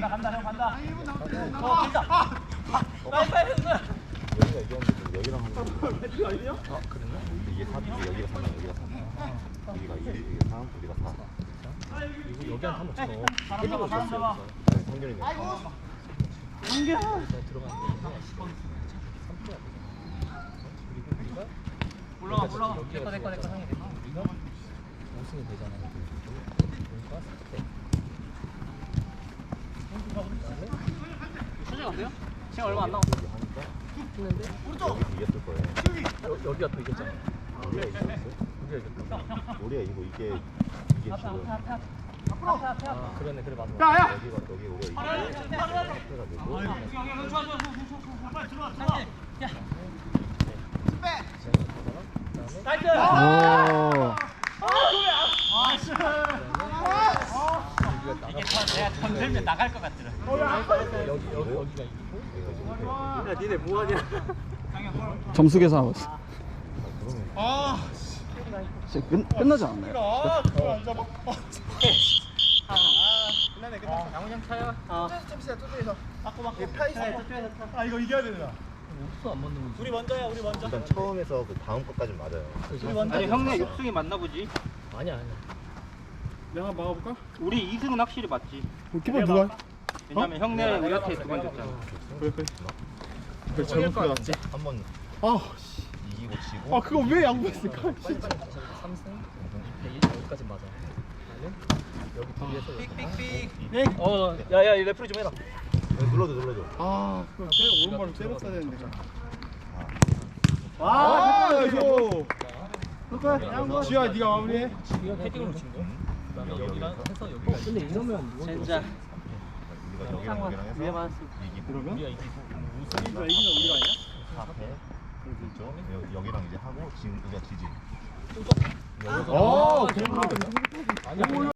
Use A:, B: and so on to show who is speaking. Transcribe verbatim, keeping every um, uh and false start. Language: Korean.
A: 간다 형 간다. 어 길다. 빨리 빨리 형들.
B: 여기가 이겼는데 여기랑 한 거. 아 그랬나? 이게 사, 이게 여기가 삼, 여기가 삼. 여기가 이, 이게 삼, 여기가 사.
C: 이거 여기한테 한번 쳐넣어.
A: 사람 잡아 사람 잡아.
B: 네, 성균이네.
A: 한결. 올라가 올라가. 내꺼 내꺼 내꺼 상해.
C: 우리가 우승이 되잖아. 그러니까 네.
A: 수정 안 돼요? 시간 얼마 안 남았어.
B: 하니까
C: 했는데
B: 여기 이겼을 거예요.
C: 여, 여기가 또 이겼잖아.
B: 우리가 이겼어요?
C: 우리가 이겼다.
B: 우리가 이거 이게 이게 지금
C: 아 그러네 그래 맞아.
B: 여기가 여기 우리가 이게 해가지고
A: 나이스.
D: 오.
A: 이게 내가 던들면 나갈 것 같더라.
C: 여기 여기 여기가 이기고.
A: 야 니네 뭐하냐?
D: 점수 계산하고 있어.
B: 아
D: 진짜 끝, 끝나지 않았나요?
A: 끝나네 끝났어. 양훈형 차요. 어. 맞고 맞고. 아 이거 이겨야 되나?
C: 옥수 안 맞는 거지.
A: 우리 먼저야 우리 먼저.
B: 일단 처음에서 그 다음 것까지 맞아요.
A: 우리 먼저. 아니 형네 육승이 맞나 보지.
C: 아니야 아니야.
E: 내가 막아볼까?
A: 우리 이승은 확실히 맞지.
E: 키퍼 누가?
A: 왜냐면 형네 우리한테 두 번 졌잖아.
E: 그래 그래 그래 잘못 들어갔지
B: 한번
E: 아,
B: 이기고 지고.
E: 아 그거 왜 양보했을까? 진짜
C: 삼승 이 패 여기까지 맞아. 나는 여기 뒤에서
A: 삑삑삑. 어, 야야 레프리 좀 해라.
B: 여기 눌러줘 눌러줘.
E: 아 그거 때 오른발로 때렸어야 되는데
A: 와,
E: 아 이거 지우야 네가 마무리해
C: 헤딩으로 친 거. 그다음에 여기랑 해서 여기가. 어, 근데 이러면 이건
A: 진짜.
B: 우리가 여기랑 여기랑 해서
A: 위에 맞았어.
B: 이기고.
E: 그러면?
C: 우리가 이기고
E: 우리가 이기면 우리가 아니야?
B: 사 패. 그렇죠. 여- 여기랑 이제 하고 지금 우리가 지지.
C: 여기서
E: 아
C: 아,
E: 그런 거
C: 아니야.